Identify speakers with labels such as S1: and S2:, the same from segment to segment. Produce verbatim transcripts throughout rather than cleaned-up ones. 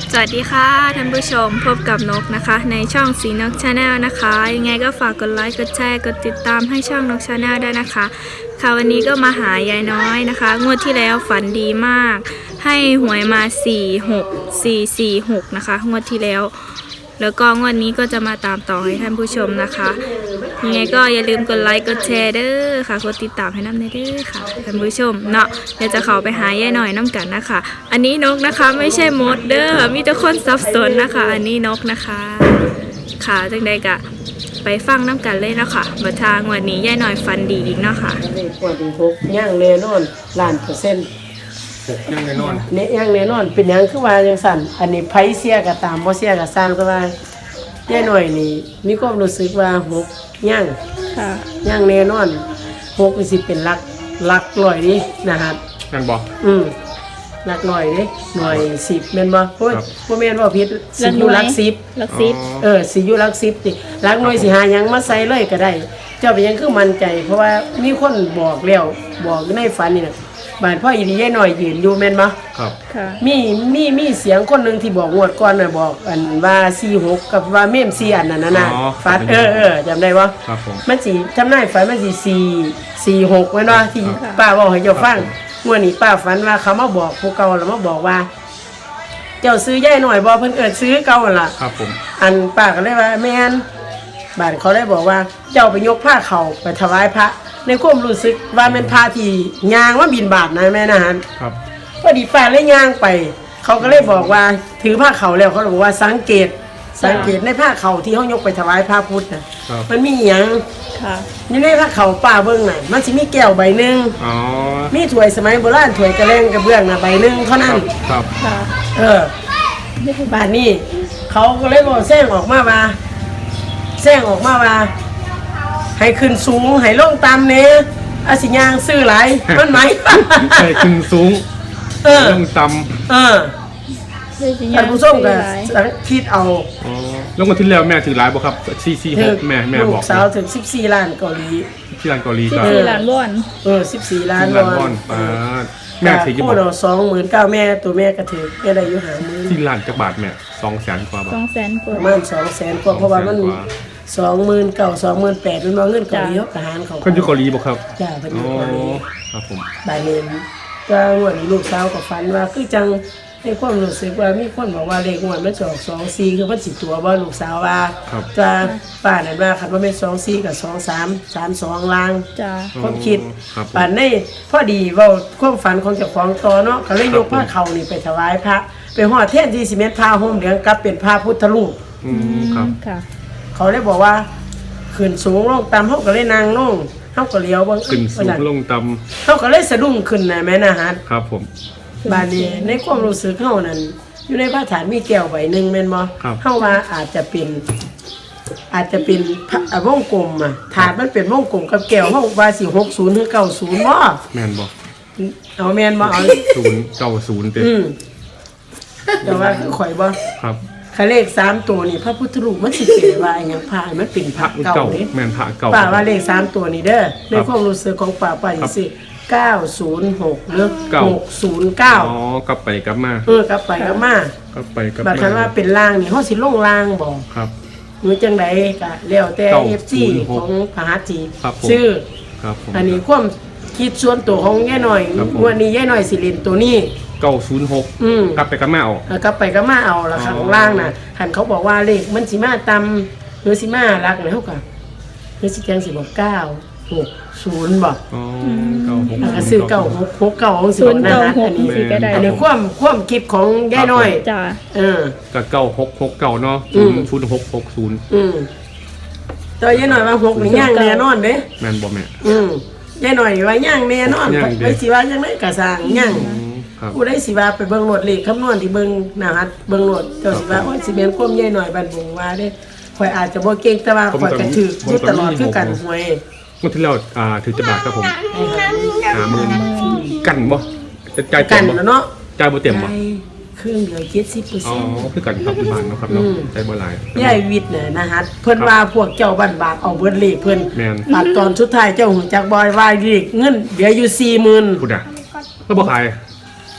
S1: สวัสดีค่ะท่านผู้ชมพบกับนกนะคะในช่องสีนกชาแนลนะคะยังไงก็ฝากกดไลค์กดแชร์กดติดตามให้ช่องนกชาแนลได้นะคะค่ะวันนี้ก็มาหายายน้อยนะคะงวดที่แล้วฝันดีมากให้หวยมาสี่หกสี่สี่หกนะคะงวดที่แล้วแล้วก็งวดนี้ก็จะมาตามต่อให้ท่านผู้ชมนะคะยังไงก็อย่าลืมกดไลค์กดแชร์เด้อค่ะกดติดตามให้น้ำในเด้อค่ะท่านผู้ชมเนาะเดี๋ยวจะเข้าไปหายายหน่อยน้ำกันนะคะอันนี้นกนะคะไม่ใช่มดเด้อมีแต่คนสับสนนะคะอันนี้นกนะคะค่ะจังใดกะไปฟังน้ำกันเลยเนาะค่ะบัดทางวันนี้ยายหน่อยฟันดีอีกเนาะค่ะ
S2: เลขกว่าดีหกย่างแน่นอนล้านเปอร์เซ็นต์
S3: หกยังแน่นอน
S2: เนี่ยย่างแน่นอนเป็นหยังคือว่าจังสั่นอันนี้ไผเสียก็ตามบ่เสียก็สร้างก็ว่าแย่หน่อยนี่มีความรู้สึกว่าหกย่าง
S1: ค่ะ
S2: ย่างแน่นอนหกนี่สิเป็นหลักหลักร้อยนี่นะครับ
S3: นั่นบอก
S2: อืมหลักร้อยนี่หน่วยสิบแม่นบ่โอ้ย
S3: ครับ
S2: บ่แม่นว่าผิดสิอยู่หลักสิบ
S1: ลักซิป
S2: เออสิอยู่หลักสิบนี่หลักหน่วยสิหาหยังมาใส่เลยก็ได้ เจ้าเป็นหยังคือมั่นใจ เพราะว่ามีคนบอกแล้วบอกในฝันนี่น่ะบ้านพ่ออีดียายน้อยยืนอยู่แม่นบ่
S3: ครับ
S1: ค่ะ
S2: มีมีมีเสียงคนหนึงที่บอกงวดก่อนน่ะบอกอันว่าสี่หกกับว่าเมมสี่อันนั้นน่ะนะ
S3: อ๋อ
S2: ฟัดเออเออจำได้บ่
S3: ครับผม
S2: มันสิจำได้ฝันมันสิสี่ สี่หกแม่นบ่ที่
S1: ครับ
S2: ป้าบอกให้เจ้าฟังงวดนี้ป้าฝันว่าเขามาบอกผู้เก่าแล้วมาบอกว่า เจ้าซื้อยายน้อยบ่เพิ่นเอิ้นซื้อเก่าหั่นล่ะ
S3: ครับผม
S2: อันป้าก็เลยว่าแม่นบ้านเขาได้บอกว่าเจ้าไปยกผ้าเขาไปถวายพระ ในความรู้สึกว่าเป็นผ้าที่ยางว่าบินบาทนะแม่นะฮะ
S3: ครับ
S2: พอดีป้าเลยยางไป เขาก็เลยบอกว่าถือผ้าเขาแล้วเขาบอกว่าสังเกต สังเกตในผ้าเขาที่เขายกไปถวายพระพุทธนะครับ มันมีหยัง
S1: ค่ะ
S2: นี่ในผ้าเขาป้าเบิ่งน่ะมันสิมีแก้วใบหนึง
S3: อ๋อ
S2: มีถ้วยสมัยโบราณถ้วยกระเลงกระเบื้องน่ะใบหนึงเท่า
S3: ค
S2: นั้
S3: รั
S2: น
S3: บครับ
S1: ค่ะ
S2: เออบ้านนี้เขาก็เลยบอกแซงออกมาว่าแซงออกมาว่า ให้ขึ้นสูงให้ลงต่ำเนี่ยอาสิยางซื้อหลายมันไหม
S3: ใช่ขึ้นสูง
S2: เออ
S3: ลงต่
S2: เออท่านผู้ชมก็คิดเอา
S3: ำอ๋อลงมาที่แล้วแม่ถือหลายบ่ครับสี่สี่หกแม่แม่
S2: ลู
S3: บอก
S2: กสาวถึงสิบสี่ล้านเกาหลี
S3: ที่ร้านเกาหลี
S1: สิบ
S3: ก็
S1: สี่ล้านวอน
S2: เออสิบสี่ล้าน
S3: ที่ร้านบอลป้าดแม่ถือกี่บ
S2: พู
S3: า
S2: ด
S3: ท
S2: เราสองหมื่นเก้าแม่ตัวแม่ก็ถือแม่ได้อยู่หามือ
S3: ที่ร้านจักบาทแม่สองแสนกว่าบา
S1: ส
S3: ท
S1: องแสนก
S2: ป
S1: ว่า
S2: ระมาณสองแสนกว่าเพราะว่ามัน
S3: สองแสนกว่า
S2: สองหมื่นเก้าสองหมื่นแปดมันว่าเงินเกาหลี
S1: จ้ะ
S2: เขากระหารเขา
S3: คนอยู่เกาหลีบ่ครับ
S2: จ้าเป็นอ
S3: อ๋
S2: ยู่
S3: อ
S2: เกาหลี
S3: ครับผม
S2: บายเลนก็งวดนี้ลูกสาวก็ฝันว่าคือจังในความรู้สึกว่ามีคนบอกว่าเลขงวดมันสองสองสี่คือมันสิตัวว่าลูกสาวว่า
S3: ครับ
S2: จะป้านั่นว่าคันว่าเป็นสองสี่กับสองสามสามสองลาง
S1: จ้า
S2: ความคิด
S3: ครับผม
S2: ป่านนี้พอดีเว่าความฝันของเจ้าของต่อเนาะก็เลยยกผ้าเขานี่ไปถวายพระไปห่อเทียนที่สิเมนผ้าห่มเหลืองกลับเป็นผ้าพุทธรูป
S3: อืมครับ
S1: ค่ะ
S2: เขาเลยบอกว่าขึ้นสูงลงต่ำเฮาก็เลยนางลงเฮาก็เลี้ยวเบิ่ง
S3: ขึ้นสูงลงต่
S2: เฮาก็เลยสะดุ้งขึ้นนะแม่นะฮะ
S3: ำครับผม
S2: บาดนี้ในความรู้สึกเฮานั้นอยู่ในพระฐานมีแก้วใบหนึงแม่นบ่
S3: ครับ
S2: เฮาว่าอาจจะเป็น อาจจะเป็นพระอ่ะวงกลมอ่ะถาดมันเป็นวงกลมกับแก้วเฮาว่าสิหกสิบหรือเก้าสิบบ่
S3: แม่นบ่
S2: เอาแม่นบ่เอา
S3: ศูนย์เก้าศูนย์เต็ม
S2: อืมแต่ว่าคือข่อยบ่
S3: ครับ
S2: คันเลขสามตัวนี่พระพุทธรูปมันสิเป็นว่าอิหยังพระมันเป็นพ
S3: พ
S2: ระ
S3: ระ
S2: เก่า
S3: เก่า
S2: เด้
S3: แม่นพระเก่า
S2: ป้าว่าเลขสามตัวนี้เด้อใน
S3: ครับ
S2: ความรู้สึกของป้าป้าสิสิเก้าศูนย์หกหรือ
S3: เก้า
S2: หกศูนย์เก้า
S3: อ๋อกลับไปกลับมา
S2: เออกลับไปกลับมาก
S3: ลับไปกลับ
S2: บัดคันว่า
S3: มา
S2: เป็นล่างนี่เฮาสิลงล่างบ่
S3: ครับ
S2: หรือจังไดก็แล้วแต่
S3: เก้า
S2: เอฟ ซี
S3: ศูนย์หก
S2: ของพระหัตถี
S3: ครับผม
S2: ชื่อ
S3: ครับผม
S2: อันนี้ความคิดส่วนตัวของยายหน่อย
S3: ครับผม
S2: วันนี้ยายหน่อยสิเล่นตัวนี้
S3: เก้าศูนย์หก
S2: อืม
S3: กลับไปกลับมาเอา
S2: แล้วกลับไปก็มาเอาละค่ะ
S3: อ๋อ
S2: ข้างล่างน่ะหันเขาบอกว่าเลขมันสิมาตำหรือสิมารักนะเฮาก็หรือสิจังสิบอกเก้าหกศูนย์บ่
S3: อ๋อเก้าหก
S2: แล้วก็ซื้อเก้าหกหกเก้าของสิ
S1: ศู
S2: บ
S1: นย์
S2: นะ
S1: เก้า
S2: ฮะ
S1: ห
S2: อั
S1: ก
S2: นนี้
S1: สี่ก็ได้
S2: อันนี้ความความคิดของยายน้อย
S1: จ้า
S2: เออ
S3: กับเก้าหกหกเก้าเนาะ
S2: อื
S3: ศู
S2: ม
S3: นย์ศูนย์หกหกศูนย์
S2: อืมตัวยายน้อยว่าหกนี่ย่างแน่นอนเด้
S3: แม่นบ่แม่
S2: อืมยายน้อยว่าย่างแน่นอน
S3: ย่างเด้
S2: ไปสิว่าจังไดก็สร้างย่าง
S3: อืมครับ
S2: ผู้ใดสิว่าไปเบิ่งโหลดเลขคำนวณที่เบิ่งนะฮะเบิ่งโหลดเจ้าสิว่าโอ้ยสิเป็นความยายน้อยบ้านบงว่าเด้ข่อยอาจจะบ่เก่งแต่ว่าข่อยก็ถืออยู่ตลอดคือกันหวย
S3: เมื่อที่เราอ่าถือจะบาทครับผม
S2: ให้หา
S3: หาหมื่นกันบ่จะจ่าย
S2: กั
S3: เต็
S2: น
S3: มบ่
S2: แล้วเนาะ
S3: จ่ายบ่เต็มบ่
S2: ได้เครื่องเดียวเจ็ดสิบเปอร์
S3: อ๋อ
S2: เซ็นต์
S3: คือกันครับที่บ้านเนาะครับเนาะ
S2: อืม
S3: จ่ายบ่หลาย
S2: ยายวิทย์เนี่ยนะฮะเพิ่นว่าพวกเจ้าบ้านบากเอาเบิดเลขเพิ่น
S3: แม่น
S2: บัดตอนสุดท้ายเจ้าหูจักบอยว่าเลขเงินเหลืออยู่สี่หมื่น
S3: พูดอ่ะแล้วบ่ขาย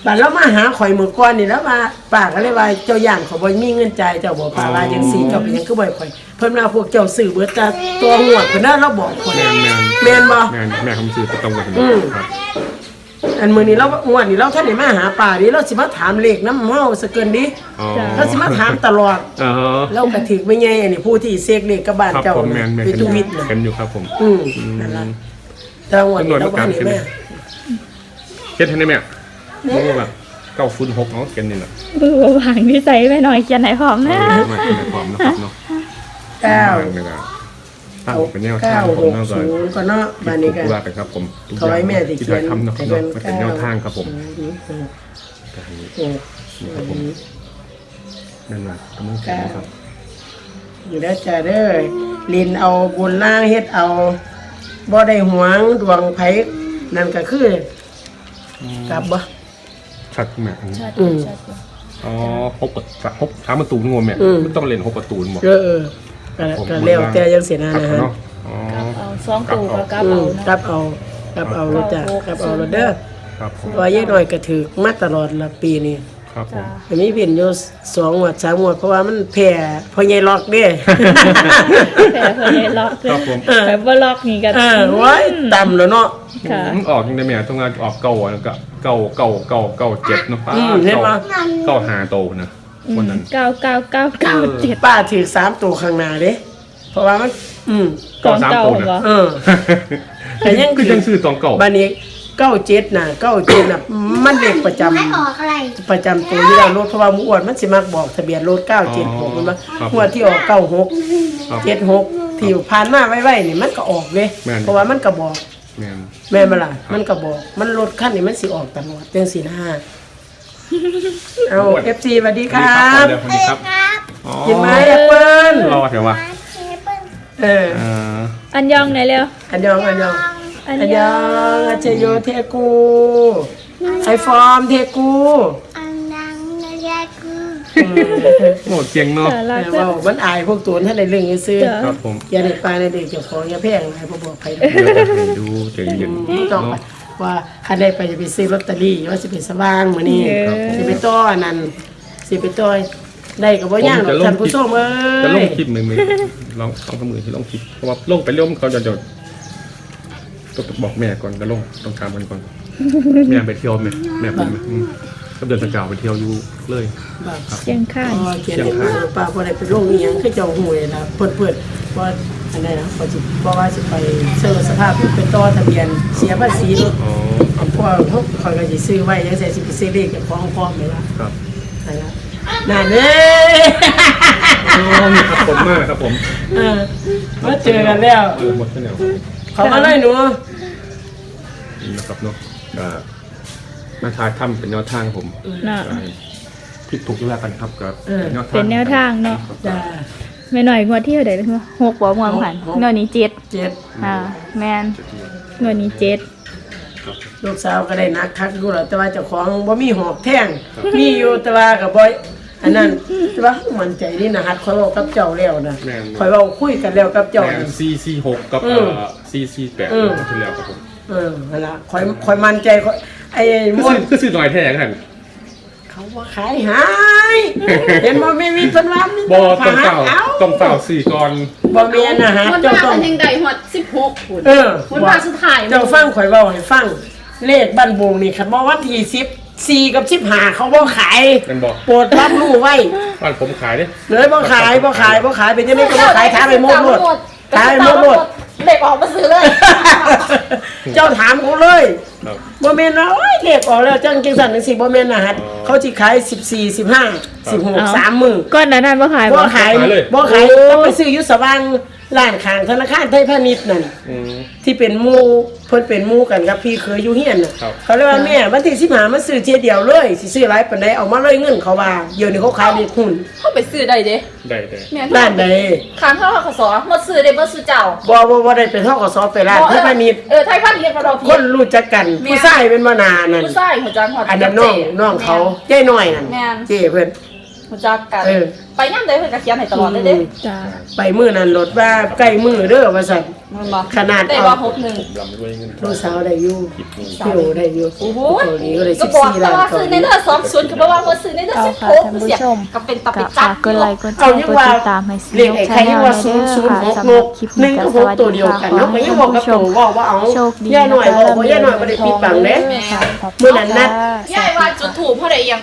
S2: บัดเรามาหาข่อยมื้อก่อนนี่แล้วว่าป้าก็เลยว่าเจ้าย่านเขาบ่มีเงินจ่ายเจ้าบ่ป้าว่าจังซี่เจ้าเป็นหยังคือบ่ให้ข่อยเพิ่นว่าพวกเจ้าซื้อเบิดแต่ตัวงวดเพิ่นน่ะเราบอกข่อย
S3: แม่นแม่น
S2: แม่นบ่
S3: แม่นแม่คำซื้อก็ตรงกัน
S2: อืม
S3: ครับ
S2: อันมื้อนี้เรางวดนี้เราท่านได้มาหาป้าดิเราสิมาถามเลขนำเฮาซะเกินดิ
S3: อ๋อ
S2: เราสิมาถามตลอด
S3: อ๋อ
S2: เราก็ถึกไม่ใหญ่อันนี้ผู้ที่เสกเลขกับบ้าน
S3: ครับ
S2: เจ้า
S3: ผมแม่นแม่น
S2: ไป
S3: เห็น
S2: ทุวิทย์น่ะ
S3: เห็นอยู่ครับผม
S2: อืมนั่นล่ะแต่งวดนี้เราบ่ได้แม่
S3: เฮ็ดให้ได้แม่บ่รู้ว่าเก้าศูนย์หกเนาะเขียนนี่น่ะ
S1: บือวางนิสัยไปหน่อยเขียนไหนพร้อมนะ
S3: มาเขียนในความนะครับเนาะ
S2: เก้า
S3: ไม่ได้ตั้งเป็นแนว
S2: เก้า
S3: ทางผ
S2: ห
S3: ม
S2: ก
S3: เนาะ
S2: ศูนย์ก็เนาะบ้านนี้ก็
S3: ทุว่ากันครับผมทุก
S2: ขอให้แม่สิ
S3: ที่
S2: เขีย
S3: ถ่าน ยทำเนาะ
S2: ให้
S3: เนาะ
S2: เพิ่น
S3: เป็นแนวทางครับผม
S2: เก้าหก
S3: นี่
S2: หก
S3: ครับผมนั่นแหละกำลังเขียนนะครับ
S2: อยู่ได้อจ้าเด้อลินเอาบุญล่างเฮ็ดเอาบ่ได้หวงดวงไผนั่นก็คือกลับบ่
S3: ชัดแม่
S2: อืม
S3: อ๋อหกประตูหกสามประตูงงแม่
S2: อืม
S3: มันต้องเล่นหกประตูหมด
S2: เออเออก็ก็แล้วแต่จังซี่นะนะฮะ
S3: เนาะอ๋อ
S1: เอาสองตู่กับกลับ
S2: อื
S1: เอา
S2: ม
S1: เนาะ
S2: กลับเอากลับเอารถจ้ะกลับเอารถเด้อ
S3: ครับผม
S2: ว่ายายน้อยก็ถือมาตลอดละปีนี้
S3: ครับผม
S2: อันนี้เป็นอยู่สองงวดสามงวดเพราะว่ามันแผ่พ่อใหญ่ล็อกเด้
S1: แต่เพิ่นได้ล็อก
S3: ครับผม
S1: แต่บ่ล็อกนี่ก็
S2: เออไว้ต่ำแล้วเนาะ
S1: ค่ะ
S3: อืมออกยังไงแม่ต้องงานออกเก่าอ่ะก็เก่าเก่าเก่าเก่าเจ็ดเนาะป้า
S2: อืมเห็นปะ
S3: เก่าหาโตนะวันนั้น
S1: เก้าเก้าเก้าเก้าเจ็ด
S2: ป้าถือสามตัวข้างหน้าเด้เพราะว่ามัน อืม
S1: กองเก่าเหรอ
S2: เออ แต่ยัง
S3: คือยังซื้อตองเก่า
S2: บ้านนี้เก้าเจ็ดน่ะเก้าเจ็ดน่ะมันเด็กประจำ
S4: ไม่ออกอะไร
S2: ประจำตัวที่เรารถเพราะว่าหมูอ้วนมันสิมักบอกทะเบียนรถเก้าเจ็ดหกมันว่า
S3: ครับ
S2: งวดที่ออกเก้าหก
S3: ครับ
S2: เจ็ดหกที่ผ่านมาไว้ๆนี่มันก็ออกเลย
S3: แม่น
S2: เพราะว่ามันก็บอก
S3: แม่น
S2: แม่นบ่ล่ะมันก็บอก มันรถคันนี้มันสิออกตลอดจังสี่ห้าเอา เอฟ ซี สวัสดีค
S3: สวัส
S2: รั
S3: ดี
S2: บ
S3: สวัสดีครับ
S4: ครับ
S3: อ๋อ
S2: กินไหมแอปเปิ้ล
S3: รอเถอะวะ
S4: มาเชฟเปิ้ล
S2: เออ
S3: อ่า
S1: อันยองไหนเร็ว
S2: อันยองอันยอง
S1: อัน
S2: อัน
S1: ย
S2: ย
S1: อ
S2: อง งอาเจโยเทกูไอฟอร์มเทกู
S4: อันนังนายากู
S2: อืม
S3: โอ้เก่งเนาะ
S1: สา
S2: แต่
S1: ระก็
S2: ว่ามันอายพวกตัวท่านในเรื่องนี้ซื้อ
S1: จ้ะ
S3: ครับผม
S2: อย่าได้ไปในเด็กเจ้าของอย่าแพงอะไรพวกบอกใครเลย
S3: เดี๋ยวจะให้ดูใจเย็น
S2: ต้องไป
S3: เนาะ
S2: ว่าคันได้ไปจะไปซื้อลอตเตอรี่ว่าสิเป็นสว่างมื้อนี้
S1: เออ
S2: สิไปต้ออันนั้นสิไปต้อยได้ก็บ่ย่างหรอกท่านผู้ชมเอ้
S3: จะลง
S2: ย
S3: คลิปมือมือลองต้องสมือที่ลงคลิปเพราะว่าลงไปเรื่อยเขาจะจะต้องบอกแม่ก่อนจะลงต้องถามกันก่อนแม่ไปเที่ยวไหมแม่ผมไหมอืมก็เดินสกาวไปเที่ยวอยู่เลย
S2: แบบ
S1: เชียงข้าน
S2: อ๋อเขียนให้มาป้าบ่ได้ไปลงอีหยังคือเจ้าหวยนะเปิดๆว่าอันนั้นนะเขาสิบ่ว่าสิไปเซอร์สภาพไปต่อทะเบียนเสียภาษีรถ
S3: อ๋อครับ
S2: เพราะว่าเขาคอยก็สิซื้อไว้ยังใส่สิไปซื้อเลขกับของพร้อมเลยล่ะ
S3: ครับ
S2: นั่นล่ะนั่นเด้
S3: อ๋อมีครับผมมากครับผม
S2: เออมาเจอกันแล้ว
S3: เออหมดแล้ว
S2: เขามาเลยหนู
S3: นี่นะครับเนาะก็มาทายถ้ำเป็นแนวทางผม
S1: น่ะ
S3: ผิดถูกที่ว่ากันครับกับ
S1: เป็นแนวทางเนาะ
S2: จ้า
S1: ไม่หน่อยงวดที่เท่าไหร่นะคะหกบ่งวดผ่าน
S2: หก
S1: งวดนี้เจ็ด
S2: เจ็ด
S1: อ่าแมนงวดนี้เจ็ด
S2: ลูกสาวก็ได้นักทักอยู่แล้วแต่ว่าเจ้าของบ่มีหอกแท่งมีอยู่แต่ว่าก็บ่อันนั้นแต่ว่ามั่นใจนี่นะฮัดคอยเว้ากับเจ้าแล้วนะคอยเว้าคุยกันแล้วกับเจ้า
S3: แม่
S2: นะ
S3: ซีซีหกกับ
S2: อื
S3: เอ่
S2: ม
S3: อซีซีแปด
S2: อืม
S3: ที่แล้วครับผม
S2: เออนั่นล่ะคอยคอยมั่นใจคอยไอ้
S3: คือ
S2: ม่วน
S3: ซื้อคือซื้อหน่อยแท้กัน
S2: เขาว่าขายหายเห็นบ่ไม่มีเพิ่นว่ามี
S3: บอต้องเฝ้า
S2: เอ้า
S3: ต้องเฝ้าสี่ก่อน
S2: บ่แม่นนะฮะ
S5: มัน
S2: เจ้า
S5: ว่า
S2: ต้อง
S5: มันยังได้หมดสิบหกคุณ
S2: เออ
S5: มันว่าสุดท้าย
S2: เจ้าฟังข่อยเว้าให้ฟัง เลขบ้านบงนี่คันบ่วันที่สิบสี่กับสิบห้าเขาบ่ขาย
S3: กันบอก
S2: โปรดรับรู้ไว้
S3: บ้านผมขายดิ
S2: เลยบ่ขายบ่ขายบ่ขายเป็นจังได๋ก็บ่ขายถามไปหมดหมดถามไปหมดหมด
S5: เด็กออกมาซื้อเลย
S2: เจ้าถามเขาเลย
S3: ครับ
S2: บ่แม่นว่าโอ้ยเลขออกแล้วจังจังซั่นจังซี่บ่แม่นนะฮะเขาสิขายสิบสี่ สิบห้า สิบหก สามมื้อ
S1: ก้อนนั้นบ่ขาย
S2: บ่
S1: บ่
S2: ขาย
S3: ขายเลย
S2: บ่ขายต้องไปซื้ออยู่สว่างร้านข้างธนาคารไทยพาณิชย์นั่น
S3: อืม
S2: ที่เป็นหมู่เพิ่นเป็นหมู่กันกับพี่เคยอยู่เฮียนน่ะ
S3: ครับ
S2: เขาเลยว่าแม่วันที่สิบห้ามาซื้อเทียเดียวเลยสิซื้อหลายปานใดเอามาเลยเงินเขาว่าเดี๋ยวนี้เขาขายเลขหุ้น
S5: เขาไปซื้อได้เด้
S3: ได้ได้
S5: แม่
S2: ร้านใด
S5: ค้างเท่าขสอหมดซื้อได้หมดซื้อเจ้า
S2: บ่บ่บ่ได้ไปเท่ากับซอไปร้านไทยพาณิชย์
S5: เออไทยพาณิชย์ของเรา
S2: คนรู้จักกันผู้ชายเป็นมานานนั่น
S5: ผู้ชายหัวจังหัว
S2: อันนั้นน้องน้องเขาเจ้น้อยนั่น
S5: แม่น
S2: เจ้เพิ่น
S5: รู้จักกัน
S2: เออ
S5: ไปย่ำใดเพิ่นก็เขียนให้ตลอดเลยเด้
S1: จ้า
S2: ไปมื้อนั้นรถว่าใกล้มื้อเด้อว่าซั่น
S5: มันบ่
S2: ขนาด
S5: ได้
S2: เอา
S5: ว่าหกหนึ่ง
S3: ลำด้วยเงิน
S2: ลูกสาวได้อยู่พี่โอได้อยู่
S5: โอ้โห
S2: เกาหลีก็ได้
S5: ก็
S2: สิบ
S5: บอก
S2: สี่
S5: แต่
S2: ล้าน
S5: ว่า
S2: เกา
S5: ซื้อ
S2: ห
S5: ใน
S2: ลี
S5: เรื่องสองศูนย์ก็บอกว่าว่าซื้อในเรื่อง
S1: เอา
S5: สิบ
S1: ค่ะ
S5: หก
S1: ท่านผู้
S5: เสีย
S1: ชม
S5: ก็เป็นตะไป
S1: กับ
S5: จั
S1: ฝา
S5: บ
S1: กกดไลค์กดแช
S2: เอา
S1: ร์
S2: ยัง
S1: กด
S2: ว่า
S1: ติดตามให้ซี
S2: เลข
S1: นก
S2: ไอ้
S1: ชา
S2: ใคร
S1: แน
S2: ยัง
S1: ล
S2: ว่า
S1: เด้
S2: ศูนย์ศู
S1: อน
S2: ย์
S1: ค่ะ
S2: หก
S1: สำ
S2: ห
S1: หรับ
S2: ก
S1: คลิป
S2: หนึ่
S1: นี้
S2: ง
S1: ก็
S2: กับ
S1: ส
S2: หก
S1: วัส
S2: ตัว
S1: ดี
S2: เดียว
S1: ค่ะ
S2: กัน
S1: ขอ
S2: เนาะ
S1: ให้
S2: ก็ยัง
S1: ท่า
S2: บ
S1: น
S2: อกกับ
S1: ผู้ช
S2: ตั
S1: ม
S2: วว่าว่าเอา
S1: โชคดี
S2: ย่าหน่อย
S1: นะคะ
S2: บอกว่าย่าหน่อยบ่ได้ปิดบังเด้
S1: ค่ะขอบคุณ
S2: มื้อนั้นนัด
S1: ค่ะ
S5: ยายว่าจุดถูกเพราะใดยัง